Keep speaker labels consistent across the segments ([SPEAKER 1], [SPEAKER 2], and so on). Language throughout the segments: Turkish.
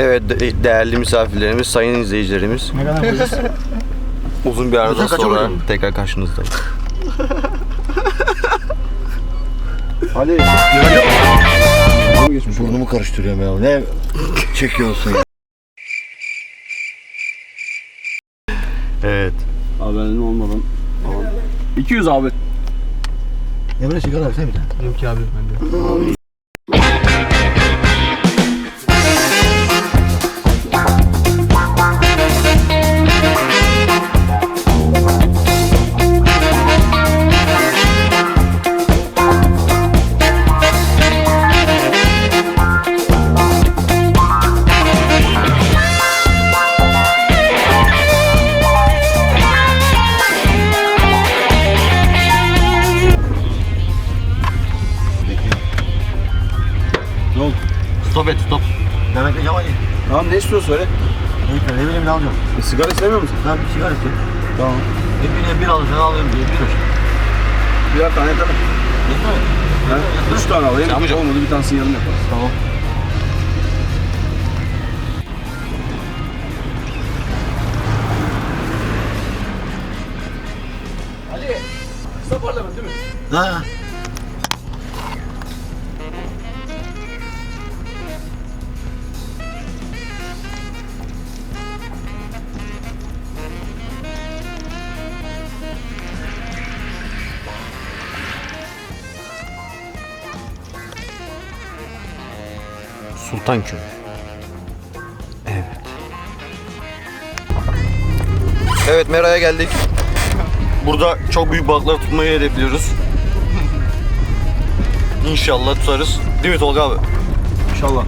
[SPEAKER 1] Evet değerli misafirlerimiz, sayın izleyicilerimiz.
[SPEAKER 2] Ne kadar koyacağız?
[SPEAKER 1] Uzun bir aradan
[SPEAKER 2] Kaça
[SPEAKER 1] sonra
[SPEAKER 2] koydun?
[SPEAKER 1] tekrar karşınızdayım.
[SPEAKER 2] Hadi.
[SPEAKER 3] Burnumu karıştırıyorum ya. Ne çekiyorsun ya?
[SPEAKER 1] Evet.
[SPEAKER 2] Haberin olmadan. Tamam. 200 abi.
[SPEAKER 3] Emre sigara versene bir tane.
[SPEAKER 2] Yok ki abi bende. Ne oldu?
[SPEAKER 1] Stop et stop.
[SPEAKER 3] Ben bekleyeceğim hadi.
[SPEAKER 2] Tamam ne istiyorsun söyle.
[SPEAKER 3] Ne bileyim ne alacağım.
[SPEAKER 2] Sigara istemiyor musun?
[SPEAKER 3] Ben bir sigara istiyorum.
[SPEAKER 2] Tamam.
[SPEAKER 3] Bir alırsan alıyorum diye bir
[SPEAKER 2] Birer tane yeter mi?
[SPEAKER 3] Yeter mi?
[SPEAKER 2] Ben 3 tane alayım.
[SPEAKER 1] Amca.
[SPEAKER 2] Olmadı bir tanesini yarım yaparız.
[SPEAKER 3] Tamam.
[SPEAKER 2] Ali. Kısa parlament değil mi?
[SPEAKER 3] Ha.
[SPEAKER 1] Sultanköy. Evet. Evet Mera'ya geldik. Burada çok büyük balıklar tutmayı hedefliyoruz. İnşallah tutarız. Değil mi Tolga abi?
[SPEAKER 2] İnşallah.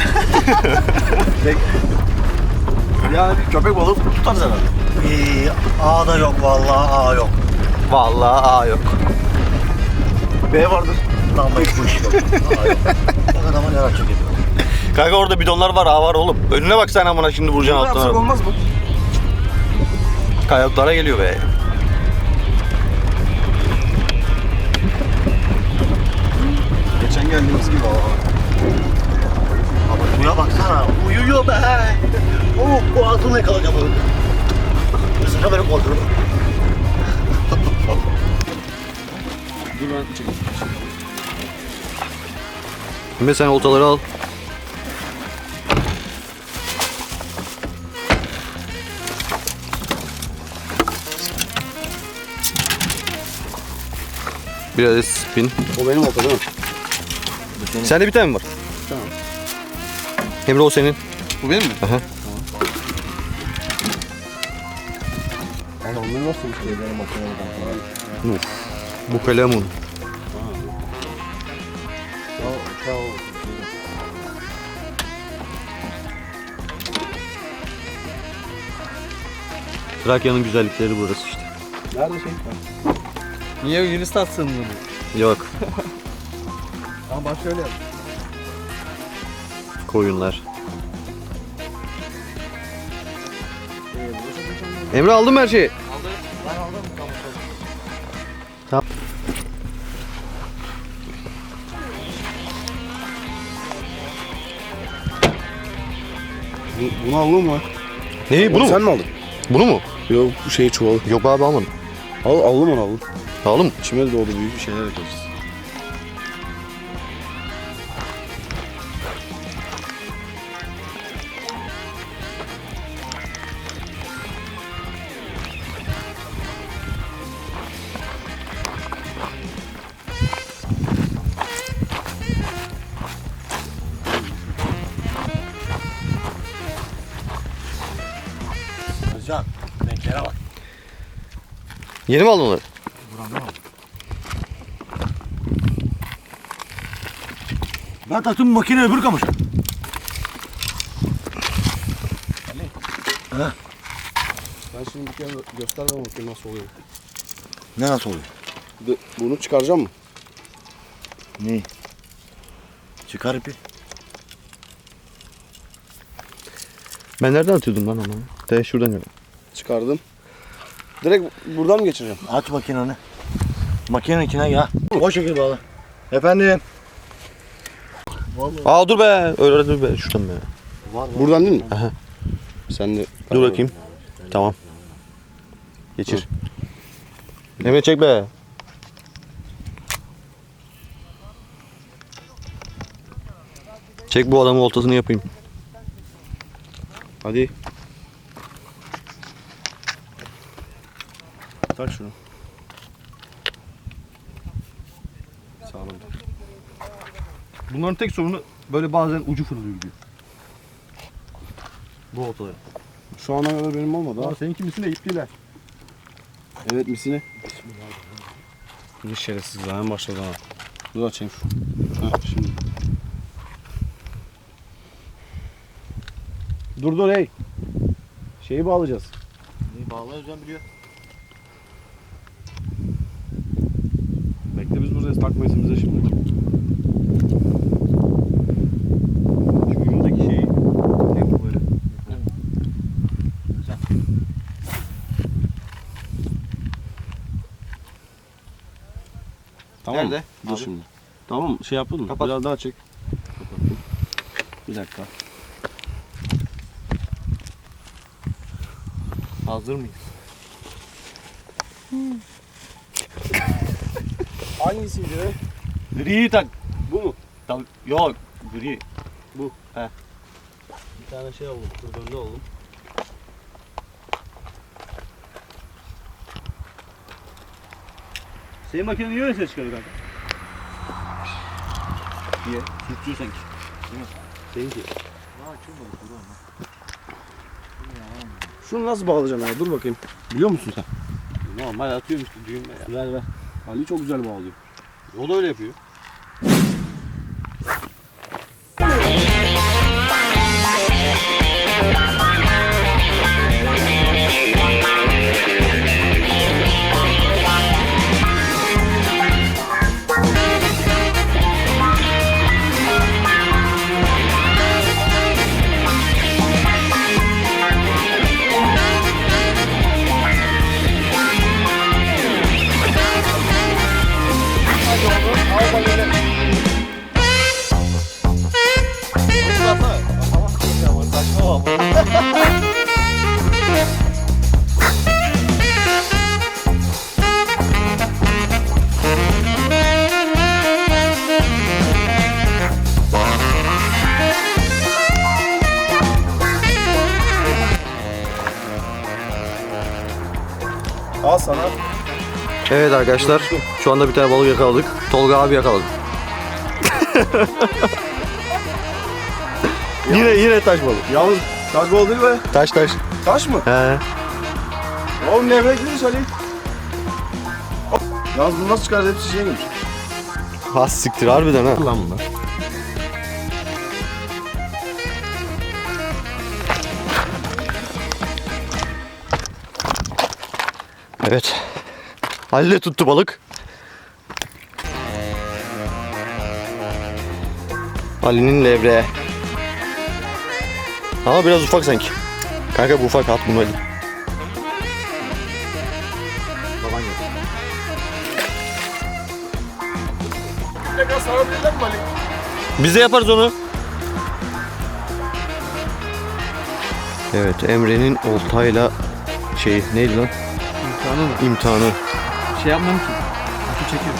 [SPEAKER 2] Yani bir köpek balığı tutarız herhalde.
[SPEAKER 3] A da yok vallahi A yok.
[SPEAKER 1] Vallahi aa yok.
[SPEAKER 2] B vardır.
[SPEAKER 3] Lan bu iş yok. A yok. O adama ne yapacak ediyor?
[SPEAKER 1] Kanka orada bidonlar var, aa var oğlum. Önüne bak sen amına şimdi vuracaksın
[SPEAKER 2] Ne yapsak
[SPEAKER 1] altına.
[SPEAKER 2] olmaz mı?
[SPEAKER 1] Kayalıklara geliyor be.
[SPEAKER 2] Geçen geldiğimiz gibi
[SPEAKER 3] Ama şuraya baksana. Uyuyor be. Bu altını yakalayacağım onu. Isırca beni kontrol.
[SPEAKER 2] Dur ben çekeyim.
[SPEAKER 1] Şimdi sen oltaları al. Bir adet spin.
[SPEAKER 2] O benim olta değil mi?
[SPEAKER 1] Sende bir tane mi var?
[SPEAKER 2] Tamam.
[SPEAKER 1] Emre o senin.
[SPEAKER 2] Bu benim mi?
[SPEAKER 1] Aha.
[SPEAKER 2] Ama onları nasıl bir şey benim makineden
[SPEAKER 1] Bu kalemun. Trakya'nın güzellikleri burası işte.
[SPEAKER 2] Nerede şey?
[SPEAKER 4] Niye Yunistan sınırlı?
[SPEAKER 1] Yok.
[SPEAKER 2] Ama bak şöyle yap.
[SPEAKER 1] Koyunlar. Emre aldın mı her şeyi?
[SPEAKER 2] Bunu aldın mı?
[SPEAKER 1] Neyi? Bunu
[SPEAKER 2] Sen
[SPEAKER 1] mu?
[SPEAKER 2] mi aldın?
[SPEAKER 1] Bunu mu?
[SPEAKER 2] Yok bu şeyi çuvalı.
[SPEAKER 1] Yok abi almadım.
[SPEAKER 2] Aldım onu aldım.
[SPEAKER 1] Aldın mı?
[SPEAKER 2] İçime de doğdu büyük bir şeyler yapacağız.
[SPEAKER 3] Özcan. Renklere bak.
[SPEAKER 1] Yeni mi aldın onları?
[SPEAKER 3] Ben taktım makine öbür kamışa.
[SPEAKER 2] Ben şimdi bir kere göster bana bakayım nasıl oluyor.
[SPEAKER 3] Ne nasıl oluyor?
[SPEAKER 2] Bunu çıkaracağım mı?
[SPEAKER 3] Ne? Çıkar ipi.
[SPEAKER 1] Ben nereden atıyordum lan ama? De şuradan gel.
[SPEAKER 2] Çıkardım. Direkt buradan mı geçireceğim?
[SPEAKER 3] Aç makineni. Makinenin içine ya. O şekilde bağla. Efendim.
[SPEAKER 1] Aa dur be. Öyle dur be. Şuradan be.
[SPEAKER 2] Buradan değil mi? Sen de...
[SPEAKER 1] Dur bakayım. Tamam. Geçir. Mehmet çek be. Çek bu adamın oltasını yapayım.
[SPEAKER 2] Hadi. Tak şunu. Sağlam.
[SPEAKER 1] Bunların tek sorunu böyle bazen ucu fırlıyor gidiyor. Bu oltaları.
[SPEAKER 2] Şu ana kadar benim olmadı ha.
[SPEAKER 1] Seninki misine iptiler.
[SPEAKER 2] Evet misine. Bir şerefsiz lan başladı ha. Dur açayım şu. Heh, şimdi. Dur hey. Şeyi bağlayacağız.
[SPEAKER 3] Neyi bağlayacağız ben biliyor.
[SPEAKER 2] Bekle biz buradayız takmayız bize şimdi.
[SPEAKER 1] Şu ucundaki şeyi tek bu böyle.
[SPEAKER 2] Tamam.
[SPEAKER 1] Nerede?
[SPEAKER 2] Dur
[SPEAKER 1] Abi.
[SPEAKER 2] şimdi. Tamam şey yapalım mı?
[SPEAKER 1] Kapat.
[SPEAKER 2] Biraz daha çek. Kapattım. Bir dakika.
[SPEAKER 1] Hazır mıyız?
[SPEAKER 2] Hangisiydi be?
[SPEAKER 1] Griyi tak.
[SPEAKER 2] Bu mu?
[SPEAKER 1] Tabii. Yok. Gri.
[SPEAKER 2] Bu.
[SPEAKER 1] He.
[SPEAKER 2] Bir tane şey aldım. Kırdönde aldım.
[SPEAKER 1] Senin makine niye öyle ses çıkarıyor kanka? Niye? Sürtüyor sanki.
[SPEAKER 2] Seninki. Şunu nasıl bağlayacaksın abi? Dur bakayım. Biliyor musun sen?
[SPEAKER 1] Normal atıyorum işte düğünle ya.
[SPEAKER 2] Ver ver. Ali çok güzel bağlıyor.
[SPEAKER 1] O da öyle yapıyor.
[SPEAKER 2] Al sana.
[SPEAKER 1] Evet arkadaşlar, şu anda bir tane balık yakaladık. Tolga abi yakaladı. yine taş balık.
[SPEAKER 2] Yalnız taş balığı değil be.
[SPEAKER 1] Taş.
[SPEAKER 2] Taş mı?
[SPEAKER 1] He.
[SPEAKER 2] Oğlum nevrekliymiş Ali. Yalnız bunu nasıl çıkardı? Hepsi şey girmiş.
[SPEAKER 1] Has siktir harbiden ha.
[SPEAKER 2] Lan bunlar.
[SPEAKER 1] Evet. Halil'le tuttu balık. Ali'nin levreği. Ama biraz ufak sanki. Kanka bu ufak, at bunu Ali. Baban yok.
[SPEAKER 2] Tekrar sarabilirler mi Ali?
[SPEAKER 1] Biz de yaparız onu. Evet, Emre'nin oltayla neydi lan?
[SPEAKER 4] İmkanı mı?
[SPEAKER 1] İmtihanı.
[SPEAKER 4] Şey yapmam ki. Şu çekiyor.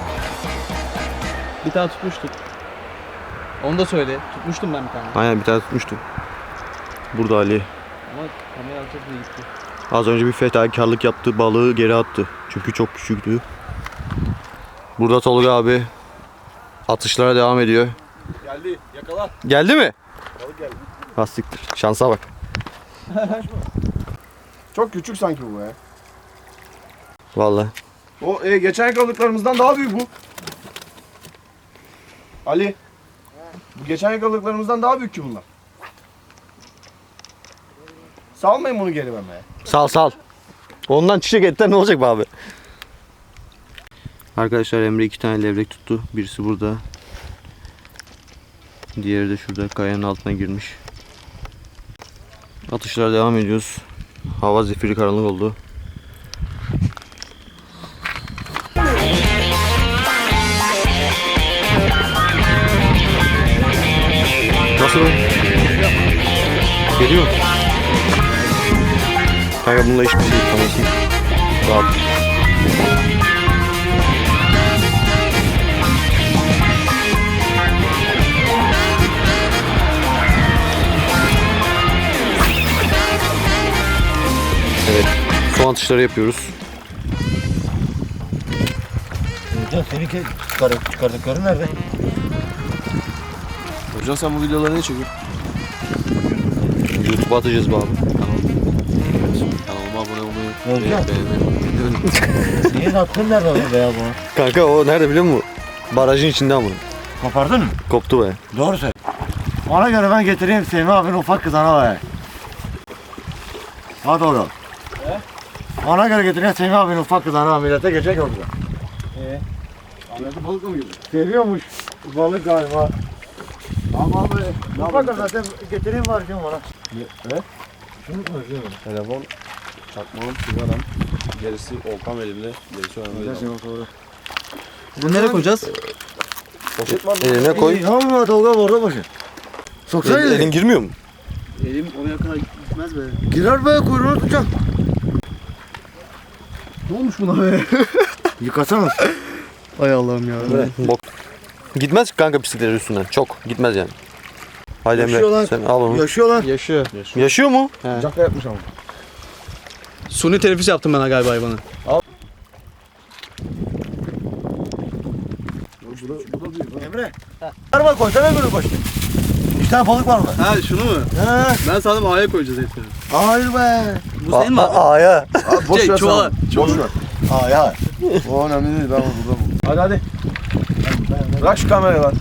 [SPEAKER 4] Bir tane tutmuştuk. Onu da söyle. Tutmuştum ben bir tane.
[SPEAKER 1] Aynen bir tane tutmuştum. Burada Ali.
[SPEAKER 4] Ama kamera alacak diye gitti.
[SPEAKER 1] Az önce bir fedakarlık yaptı, balığı geri attı. Çünkü çok küçüktü. Burada Tolga abi atışlara devam ediyor.
[SPEAKER 2] Geldi. Yakala.
[SPEAKER 1] Geldi mi?
[SPEAKER 2] Balık geldi.
[SPEAKER 1] Lastiktir. Şansa bak.
[SPEAKER 2] Çok küçük sanki bu ya.
[SPEAKER 1] Vallahi.
[SPEAKER 2] O geçen yakaladıklarımızdan daha büyük bu. Ali. Bu geçen yakaladıklarımızdan daha büyük ki bunlar. Salmayın bunu geri bana ya.
[SPEAKER 1] Sal. Ondan çiçek etten ne olacak be abi? Arkadaşlar Emre 2 tane levrek tuttu. Birisi burada. Diğeri de şurada kayanın altına girmiş. Atışlara devam ediyoruz. Hava zifiri karanlık oldu. Nasıl? Geliyor. Kanka bununla hiçbir şey yapamazsın. Rahat. Evet. Son atışları yapıyoruz.
[SPEAKER 3] Hocam seninki çıkardıkları nerede?
[SPEAKER 2] Hocam sen bu videoları ne çekiyorsun?
[SPEAKER 1] YouTube'a atacağız bu abi.
[SPEAKER 2] Kanalıma abone olmayı,
[SPEAKER 3] Hocam.
[SPEAKER 2] beğenmeyi.
[SPEAKER 3] Senin attığın nerede lan beyaz bunu?
[SPEAKER 1] Kanka o nerede biliyor musun? Barajın içinde ama.
[SPEAKER 3] Kopardın mı?
[SPEAKER 1] Koptu be.
[SPEAKER 3] Doğru söyle. Ona göre ben getireyim Semih abinin ufak kızana be. Hadi oğlum. Ona göre getireyim Semih abinin ufak kızana millete geçecek orada.
[SPEAKER 2] Ahmet'e balıkla mı girdin?
[SPEAKER 3] Seviyormuş balık galiba. Ama be. Ufak zaten getireyim var şimdi bana.
[SPEAKER 2] Ne?
[SPEAKER 3] Şunu konuşuyorum.
[SPEAKER 2] Telefon, çakmağım, sigaram. Gerisi oltam elimde. Gerisi önümde.
[SPEAKER 4] Bunu nereye koyacağız?
[SPEAKER 2] Poşet var mı?
[SPEAKER 1] Eline koy.
[SPEAKER 3] Yapma Tolga orada başı. Soksana
[SPEAKER 1] Elin girmiyor mu?
[SPEAKER 4] Elim oraya kadar gitmez be.
[SPEAKER 3] Girer be kuyruğunu tutacağım.
[SPEAKER 4] Ne olmuş buna be?
[SPEAKER 3] Yıkasana.
[SPEAKER 4] Ay Allah'ım ya.
[SPEAKER 1] Bok. Gitmez kanka bisikletler üstünden. Çok gitmez yani. Hadi
[SPEAKER 3] Yaşıyor
[SPEAKER 1] Emre
[SPEAKER 3] lan.
[SPEAKER 1] sen al onu.
[SPEAKER 3] Yaşıyor lan.
[SPEAKER 4] Yaşıyor.
[SPEAKER 1] Yaşıyor mu?
[SPEAKER 3] Caka yapmış ama.
[SPEAKER 4] Suni teneffüs yaptım ben galiba hayvanı.
[SPEAKER 3] Emre. Var bak koysana böyle başta. İki tane balık var orada.
[SPEAKER 4] Ha şunu mu?
[SPEAKER 3] He.
[SPEAKER 4] Ben sandım A'ya koyacağız etleri.
[SPEAKER 3] Hayır be.
[SPEAKER 4] Bu senin mi abi?
[SPEAKER 1] A'ya.
[SPEAKER 2] Abi boş
[SPEAKER 4] Şey,
[SPEAKER 2] ver
[SPEAKER 4] çuvala.
[SPEAKER 2] sana. Boş ver.
[SPEAKER 3] Aa ya.
[SPEAKER 2] O önemli değil. Ben burada buldum. Hadi hadi. Bırak şu kamerayı lan.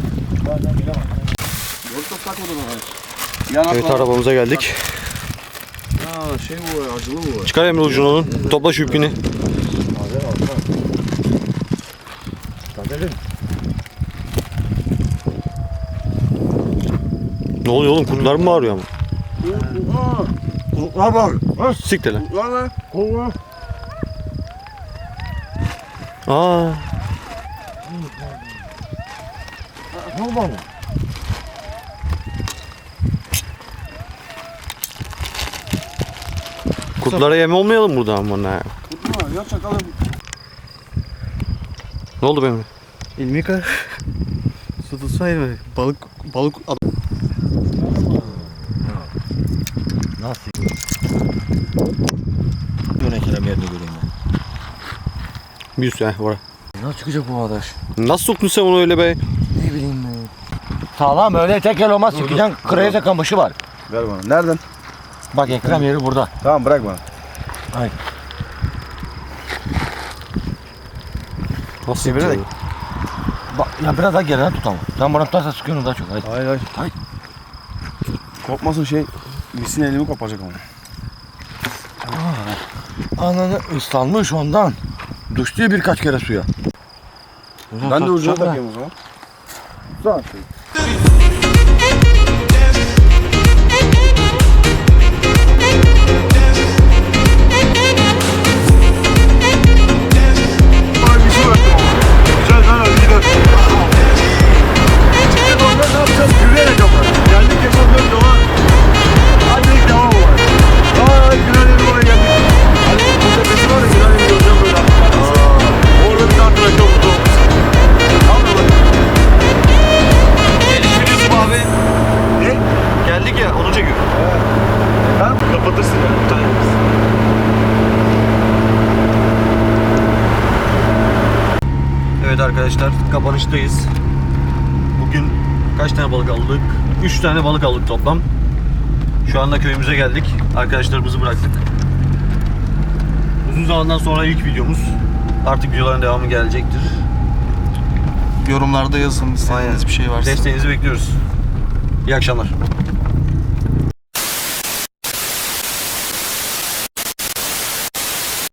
[SPEAKER 2] Doğru çok takmadı bana. Yan
[SPEAKER 1] Evet
[SPEAKER 2] atma.
[SPEAKER 1] arabamıza geldik.
[SPEAKER 2] Ha şey bu ya, acılı bu.
[SPEAKER 1] Çıkar Emre ucunu onun. Topla şu ipini. Ne oluyor oğlum? Kurtlar mı bağırıyor ama?
[SPEAKER 3] Kuluklar var. Ha?
[SPEAKER 1] Siktir lan.
[SPEAKER 2] Lan lan.
[SPEAKER 3] Kuluklar.
[SPEAKER 1] Aa.
[SPEAKER 3] Ne oldu oğlum?
[SPEAKER 1] Kurtlara yem olmayalım burada ama ne?
[SPEAKER 2] Tutma ya çakalım.
[SPEAKER 1] Ne oldu benim?
[SPEAKER 4] Elimi yıka. Su tutsaydı balık adam.
[SPEAKER 3] Nasıl? Yönetilen yerini göreyim ben.
[SPEAKER 1] Bir üstü var.
[SPEAKER 3] Nasıl çıkacak bu arkadaş?
[SPEAKER 1] Nasıl soktun sen onu öyle be?
[SPEAKER 3] Ne bileyim ben. Sağlam öyle tek el olmaz. Sıkacaksın kraliçe kamışı var.
[SPEAKER 2] Ver bana. Nereden?
[SPEAKER 3] Bak Ekrem yeri burada.
[SPEAKER 2] Tamam bırak bana.
[SPEAKER 1] Nasıl
[SPEAKER 3] Çevirerek.
[SPEAKER 1] yapacağız?
[SPEAKER 3] Bak ya biraz daha geriden tut ama. Sen bana tutarsan sıkıyorsun daha çok. Haydi.
[SPEAKER 2] Hayır hayır.
[SPEAKER 3] Hayır.
[SPEAKER 2] Kopmasın şey. Misin elimi kopacak ama.
[SPEAKER 3] Ananı ıslanmış ondan. Düştü birkaç kere suya.
[SPEAKER 2] Ben de ucuna takayım o zaman.
[SPEAKER 3] Sağ.
[SPEAKER 1] Geldik ya onu çekiyor.
[SPEAKER 2] Kapatırsın ya.
[SPEAKER 1] Evet arkadaşlar kapanıştayız. Bugün kaç tane balık aldık? 3 tane balık aldık toplam. Şu anda köyümüze geldik. Arkadaşlarımızı bıraktık. Uzun zamandan sonra ilk videomuz. Artık videoların devamı gelecektir.
[SPEAKER 4] Yorumlarda yazın istediğiniz bir şey varsa.
[SPEAKER 1] Desteğinizi bekliyoruz. İyi akşamlar.